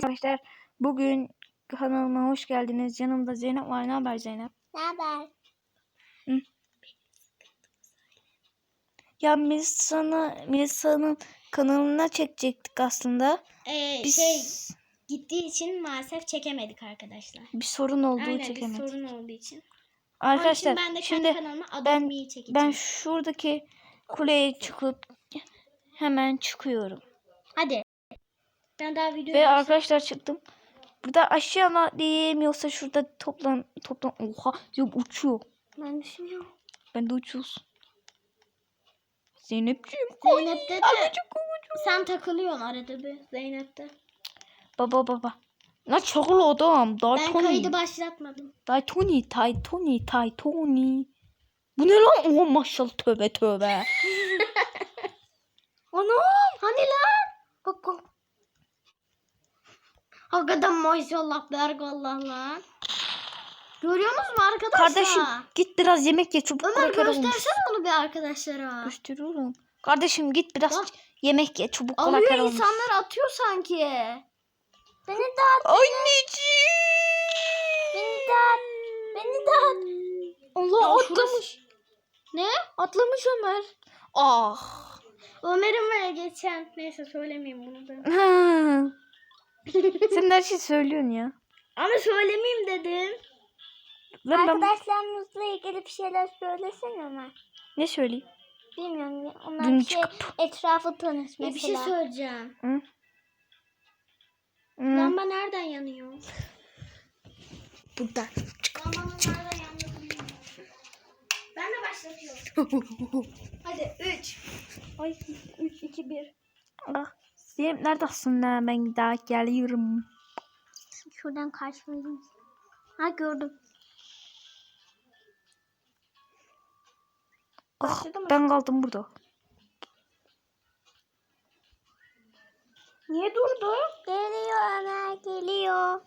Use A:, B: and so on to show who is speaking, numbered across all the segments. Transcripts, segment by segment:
A: Arkadaşlar bugün kanalıma hoş geldiniz. Yanımda Zeynep var. Ne haber Zeynep?
B: Ne haber?
A: Ya Melisa'nın kanalına çekecektik aslında.
B: Gittiği için maalesef çekemedik arkadaşlar.
A: Bir sorun olduğu
B: Aynen,
A: çekemedik.
B: bir sorun olduğu için.
A: Arkadaşlar
B: Onun için ben de
A: şimdi
B: kendi kanalıma Adopt Me'yi çekeceğim.
A: ben şuradaki kuleye çıkıp hemen çıkıyorum.
B: Hadi. Ben daha video
A: Ve arkadaşlar çıktım. Burada aşağı mı diyemiyorsa şurada toplan. Oha ya uçuyor.
B: Ben düşünüyorum.
A: Ben de uçuyoruz. Zeynepciğim.
B: Zeynep'te de sen takılıyorsun arada bir Zeynep'te.
A: Baba. Ne çakılı adam.
B: Ben kaydı başlatmadım.
A: Tony. Bu ne lan? Oh maşallah tövbe.
B: Anam hani lan? Bak. Hakikaten maşallah bergallah lan. Görüyor musun arkadaşlar?
A: Kardeşim git biraz yemek ye çabuk.
B: Ömer göstersene onu bir arkadaşlara.
A: Gösteriyorum. Kardeşim git biraz yemek ye çabuk.
B: Alıyor insanlar atıyor sanki. Beni de at.
A: Anneciğim.
B: Beni de at. Allah atlamış. Ne? Atlamış Ömer.
A: Ah.
B: Ömer'in var geçen. Neyse söylemeyeyim bunu da.
A: Sen her şeyi söylüyorsun ya.
B: Ama söylemeyeyim dedim.
C: Arkadaşlarımızla ilgili bir şeyler söylesene Ömer.
A: Ne söyleyeyim?
C: Bilmiyorum. Onlar
A: Dün
C: bir şey etrafı tanış mesela.
B: Bir şey söyleyeceğim.
A: Hı?
B: Lamba nereden yanıyor?
A: Buradan.
B: Lambanın nereden yandığını bilmiyorum. Ben de başlatıyorum. Hadi 3. Ay 3, 2, 1.
A: Ah, Zeynep neredesin lan? Ben daha geliyorum.
C: Şuradan karşılayayım. Ha gördüm.
A: Ah, ben kaldım burada.
B: Niye durdu?
C: Geliyor Ömer geliyor.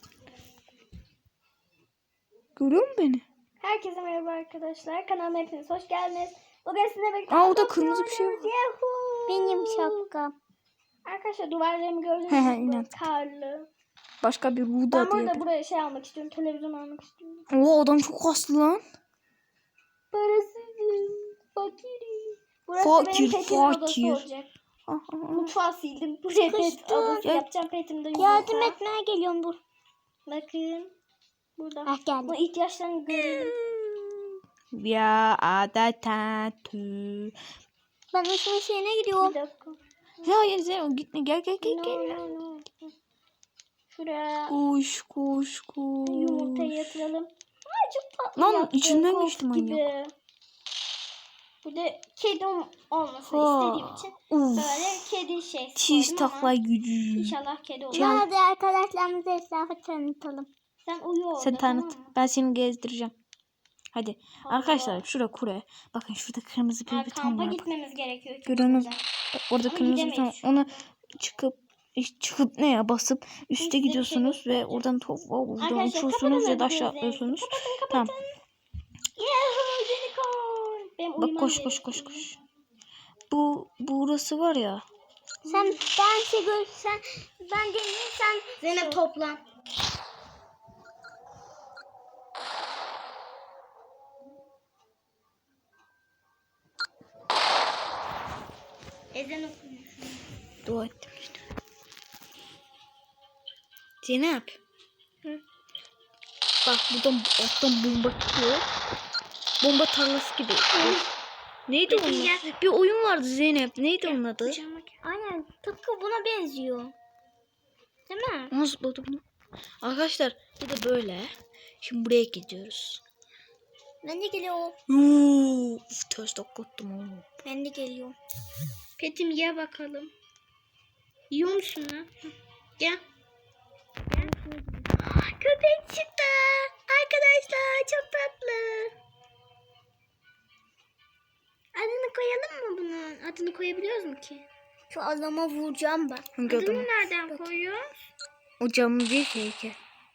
A: Görüyor musun beni?
B: Herkese merhaba arkadaşlar. Kanalıma hepiniz hoş geldiniz. Bugün sizinle birlikte
A: Orada kırmızı bir şey var.
C: Benim şapkam.
B: Arkadaşlar duvarlarımı gördünüz
A: He,
B: mü?
A: inan.
B: Karlı.
A: Başka bir
B: Ben
A: Ruda
B: burada
A: diye.
B: buraya şey almak istiyorum. Televizyon almak istiyorum.
A: Oo adam çok kaslı lan.
B: Parasızım. Fakirim. Burası benim petim odası olacak. Mutfağı sildim. Buraya pet odası yapacağım. Petimde yumurta.
C: Yardım etmeye geliyorum dur.
B: Bakın. Burada.
C: Ah geldim.
B: Bu ihtiyaçlarını görelim.
A: Ya adatü.
C: Ben ışığın şeyine
B: Bir
C: gidiyorum.
B: dakika.
A: Ya Zeynep gitme gel.
B: No. Şuraya
A: Koş.
B: yumurtayı yatıralım. Ay çok tatlı
A: Lan,
B: yaptı,
A: içinden
B: kok
A: geçti manyak.
B: gibi. Burada kedi olmasını
A: Ha.
B: istediğim için
A: Uf.
B: böyle kedi şey
A: Çiz
B: koydum ama
A: takla gücü.
B: İnşallah kedi olur.
C: Hadi arkadaşlarımıza etrafı tanıtalım.
B: Sen uyu orada.
A: Sen tanıt.
B: Tamam mı?
A: Ben seni gezdireceğim. Hadi.
B: Allah.
A: Arkadaşlar şurada kure. Bakın şurada kırmızı bir beton
B: Kampa
A: var.
B: gitmemiz gerekiyor.
A: Görüyorsunuz. Orada
B: Ama
A: kırmızı beton.
B: gidemeyiz şu
A: Onu
B: anda.
A: çıkıp ne ya basıp üste
B: Üstte
A: gidiyorsunuz
B: bir şey
A: ve oradan buradan
B: Arkadaşlar,
A: uçuyorsunuz ya da
B: kapatın
A: aşağı
B: hadi gözlerinizi.
A: atlıyorsunuz.
B: Kapatın.
A: Tamam.
B: Yahoo unicorn. Benim
A: Bak
B: uyumam
A: koş.
B: gerekiyor.
A: Burası var ya.
C: Sen ben şey görsen ben geleyim sen.
B: Zeynep toplan. Ezan okuyor.
A: Dua ettim işte. Zeynep.
B: Hı?
A: Bak buradan alttan bomba çıkıyor. Bomba tarlası gibi. Neydi onun? Bir oyun vardı Zeynep. Neydi onun adı?
C: Aynen tıpkı buna benziyor. Değil mi?
A: Nasıl buldu bunu? Arkadaşlar bir de böyle. Şimdi buraya gidiyoruz.
C: Ben de geliyorum.
A: Uf ters taklattım oğlum.
C: Ben de geliyorum.
B: Petim ye bakalım. Yiyor musun lan? Gel. Köpek çıktı. Arkadaşlar çok tatlı. Adını koyalım mı bunun? Adını koyabiliyoruz mu ki?
C: Şu adama vuracağım ben.
A: Hangi
B: Adını
A: adamı?
B: nereden koyuyoruz?
A: O camı değil ki heykel.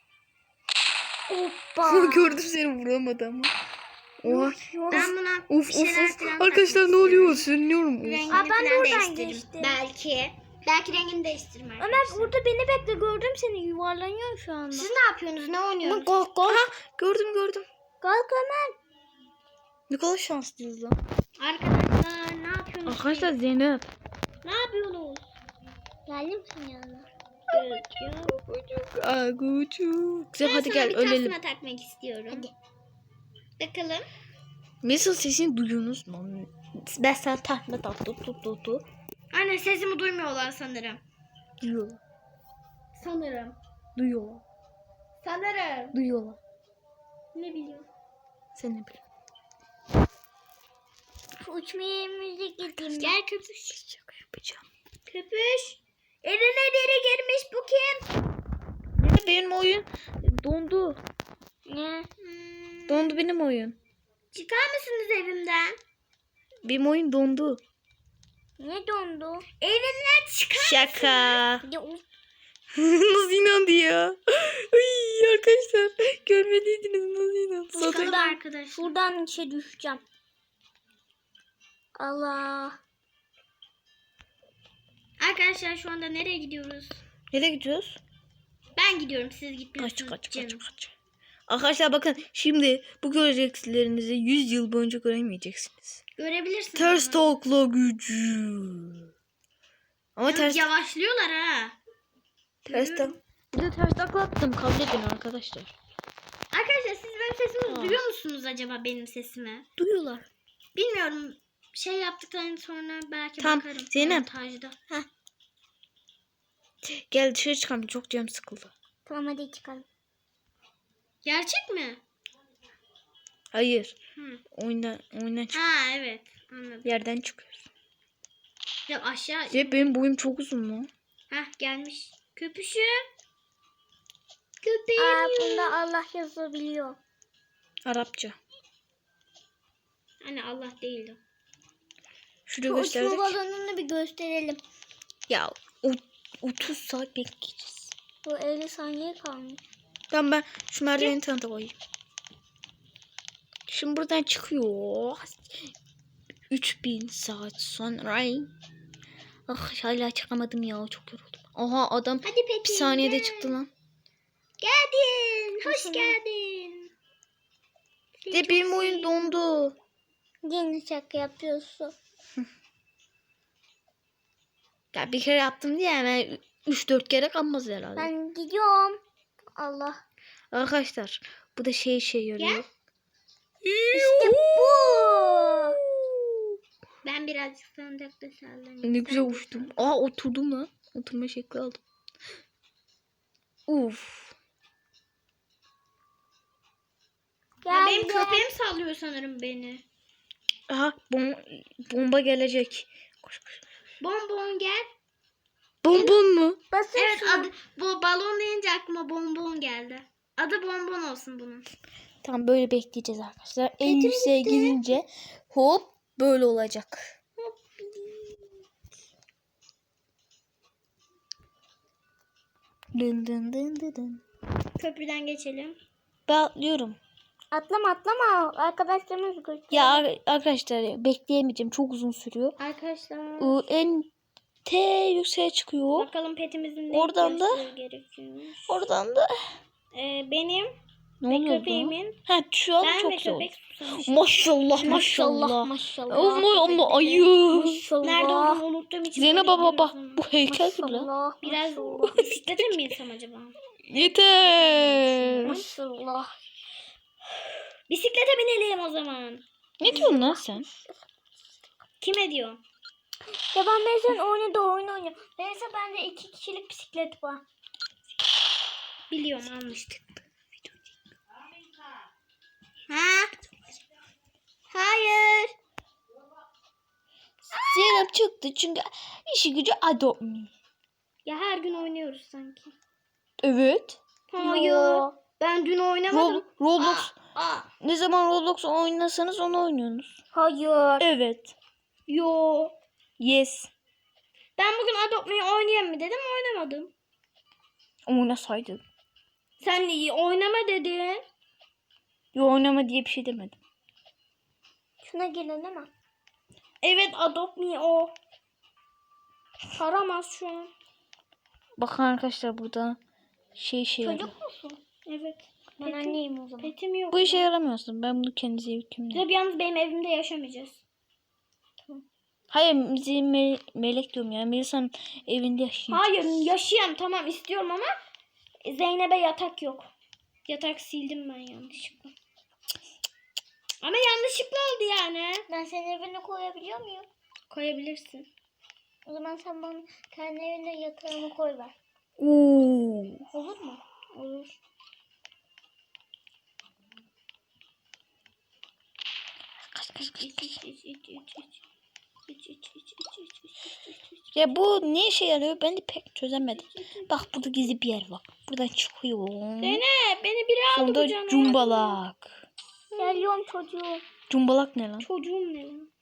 C: Hoppa.
A: Gördüm seni vuramadı ama. Oha.
B: Ben buna
A: Of
B: bir şeyler
A: of.
B: falan
A: Arkadaşlar ne oluyor? Sürünüyorum.
B: Rengini
C: Aa, ben de
B: falan
C: oradan
B: değiştiririm.
C: geçtim.
B: Belki. Belki rengini değiştiririm
C: Ömer
B: arkadaşlar.
C: burada beni bekle, gördüm seni, yuvarlanıyor şu anda.
B: Siz ne yapıyorsunuz? Ne oynuyorsunuz?
C: Kalk kalk.
A: Aha gördüm.
C: Kalk Ömer.
A: Ne kadar şanslıyız lan.
B: Arkadaşlar ne yapıyorsunuz?
A: Arkadaşlar Zeynep.
B: Ne yapıyorsunuz?
C: Geldim senin yanına.
A: Agucuk. Güzel hadi gel
B: bir
A: ölelim.
B: tasma takmak istiyorum. Hadi. Bakalım.
A: Mesela sesini duyuyorsunuz mu? Ben sana tahmin tuttu.
B: Anne sesimi duymuyorlar sanırım.
A: Duyuyorlar.
B: Sanırım.
A: Duyuyorlar.
B: Sanırım.
A: Duyuyorlar.
B: Ne biliyorum.
A: Sen ne biliyorsun?
C: Uçma yerimize gideyim.
B: Gel köpüş.
A: Şaka yapacağım.
B: Köpüş. Evime biri girmiş, bu kim?
A: Benim oyun dondu.
C: Ne?
A: Dondu benim oyun.
B: Çıkar mısınız evimden?
A: Benim oyun dondu.
C: Ne dondu?
B: Evimden çıkar.
A: Şaka.
C: Ya, of.
A: Nasıl inandı ya? Ay arkadaşlar görmediydiniz nasıl inandı?
B: Çıkalım arkadaşlar.
C: Şuradan işe düşeceğim. Allah.
B: Arkadaşlar şu anda nereye gidiyoruz?
A: Nereye gidiyoruz?
B: Ben gidiyorum, siz gitmiyorsunuz.
A: Kaç. Arkadaşlar bakın şimdi bu göreceklerinizi 100 yıl boyunca göremeyeceksiniz.
B: Görebilirsiniz.
A: Ters
B: ama.
A: takla gücü. Ama
B: Yalnız
A: ters
B: yavaşlıyorlar ha.
A: Bir de ters takla attım, kabul edin arkadaşlar.
B: Arkadaşlar siz benim sesimi duyuyor musunuz acaba, benim sesimi?
A: Duyuyorlar.
B: Bilmiyorum. Şey yaptıktan sonra belki
A: Tamam,
B: bakarım.
A: Zeynep.
B: Montajda.
A: Gel dışarı çıkalım, çok canım sıkıldı.
C: Tamam hadi çıkalım.
B: Gerçek mi?
A: Hayır.
B: Hı.
A: Oyundan çık.
B: Ha evet. Anladım.
A: Yerden çıkıyoruz.
B: Ya aşağı.
A: Benim boyum çok uzun mu?
B: Hah gelmiş. Köpüşü.
C: Aa,
B: Köpeğim.
C: bunda Allah yazabiliyor.
A: Arapça.
B: Hani Allah değildi.
A: Şurada
C: Şu uçma
A: gösterdik.
C: balonunu bir gösterelim.
A: Ya 30 saat bekleyeceğiz.
C: Bu 50 saniye kalmış.
A: Tamam ben şu merdiveni tanıta koyayım. Şimdi buradan çıkıyor. 3000 saat sonra. Ah hala çıkamadım ya, çok yoruldum. Aha adam
B: Hadi peki.
A: bir saniyede
B: gel.
A: çıktı lan.
B: Geldin. Hoş
C: Nasıl?
B: geldin. Seni
A: De
B: çok
A: benim oyun
B: seviyorum.
A: dondu.
C: Yine şaka yapıyorsun.
A: Ya bir kere yaptım diye hemen 3-4 kere kalmaz herhalde.
C: Ben gidiyorum. Allah.
A: Arkadaşlar bu da şey yarıyor.
C: İşte bu.
B: Ben birazcık sandıkta sallanayım.
A: Ne güzel uçtum. Aa oturdum lan. Oturma şekli aldım. Uf.
B: Ya benim
C: Geldim.
B: köpeğim sallıyor sanırım beni.
A: Aha bomba gelecek. Koş.
B: Bonbon gel.
A: Bonbon mu?
C: Basın
B: Evet
C: şunu.
B: adı bu balon deyince aklıma bonbon geldi. Adı bonbon olsun bunun.
A: Tamam böyle bekleyeceğiz arkadaşlar. En yükseğe gidince hop böyle olacak. Dın dın dın dın dın.
B: Köprüden geçelim.
A: Ben atlıyorum.
C: Atlama. Arkadaşlarımız göster.
A: Ya arkadaşlar bekleyemeyeceğim. Çok uzun sürüyor.
B: Arkadaşlar.
A: En yükseğe çıkıyor.
B: Bakalım petimizin ne
A: Oradan da-
B: ihtiyaçları gerekiyormuş.
A: Oradan da
B: Benim
A: ne
B: ve
A: oluyor?
B: köpeğimin.
A: Ha şu an
B: Ben
A: çok
B: ve
A: güzel oldu.
B: köpek susamış.
A: Maşallah.
C: Maşallah.
A: Ama ayı.
C: Maşallah.
B: Nerede olduğunu unuttuğum için.
A: Zeynep
B: böyle
A: baba
B: gidiyoruz
A: bu
B: ama.
A: heykel gibi lan.
C: Maşallah.
B: Biraz
C: Maşallah.
B: bisiklete mi binsem acaba?
A: Yeter.
C: Maşallah.
B: Bisiklete binelim o zaman.
A: Ne diyorsun lan sen?
B: Kime diyor?
C: Ya ben mesela oynuyor. Neyse bende 2 kişilik bisiklet var.
B: Biliyorum almıştık. Ha? Hayır.
A: Zeynep çıktı çünkü işi gücü adopt me.
B: Ya her gün oynuyoruz sanki.
A: Evet.
B: Hayır.
C: Yo.
B: Ben dün oynamadım.
A: Roblox.
B: Aa.
A: Ne zaman Roblox oynasanız onu oynuyorsunuz.
C: Hayır.
A: Evet.
B: Yo.
A: Yes.
B: Ben bugün Adopt Me'yi oynayayım mı dedim, oynamadım.
A: Oynasaydın.
B: Sen de iyi oynama dedin.
A: Yo oynama diye bir şey demedim.
C: Şuna gelin değil mi?
B: Evet Adopt Me o. Saramaz şu an.
A: Bakın arkadaşlar burada şey yarıyor.
C: Çocuk musun?
B: Evet.
C: Ben anneyim o zaman.
B: Petim yok.
A: Bu işe yaramıyorsun. Ben bunu kendi zevkimle.
B: Tabii yalnız benim evimde yaşamayacağız.
A: Hayır bizim melek diyorum ya. Melisa'nın evinde yaşayacak.
B: Hayır yaşayayım tamam istiyorum ama Zeynep'e yatak yok. Yatak sildim ben yanlışlıkla. Ama yanlışlıkla oldu yani.
C: Ben senin evine koyabiliyor muyum?
B: Koyabilirsin.
C: O zaman sen bana kendi evine yatağımı koy ver.
A: Oo.
C: Olur mu?
B: Olur.
A: Ya bu ne işe yarıyor? Ben de pek çözemedim. Bak burada gizli bir yer var. Buradan çıkıyor.
B: Zeynep beni biri aldı
A: Sonunda
B: kucağına.
A: cumbalak.
C: Geliyorum çocuğum.
A: Cumbalak ne lan?
B: Çocuğum ne lan?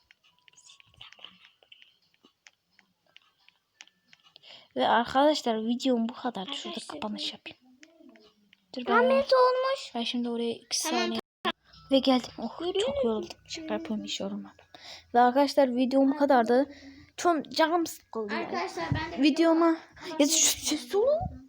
A: Ve arkadaşlar videom bu kadar. Şurada
B: Arkadaşlar,
A: kapanış yapayım. Dur ben,
C: Ahmet olmuş.
A: ben şimdi oraya 2
B: Tamam,
A: saniye. Ve geldim. Oh çok yoruldum. Şaka yapıyorum hiç yorulmadım. Ve arkadaşlar videom bu kadardı. Çok canım sıkıldı. Yani.
B: Arkadaşlar ben de
A: Videoma ya şu olun.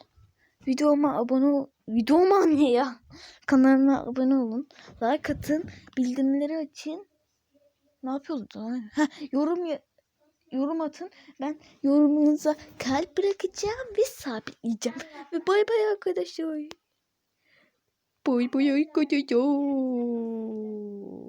A: Videoma ne ya? Kanalıma abone olun. Like atın. Bildirimleri açın. Ne yapıyorduk lan? Yorum atın. Ben yorumunuza kalp bırakacağım ve sabitleyeceğim. Ve bay bay arkadaşlar. Bay bay arkadaşlar.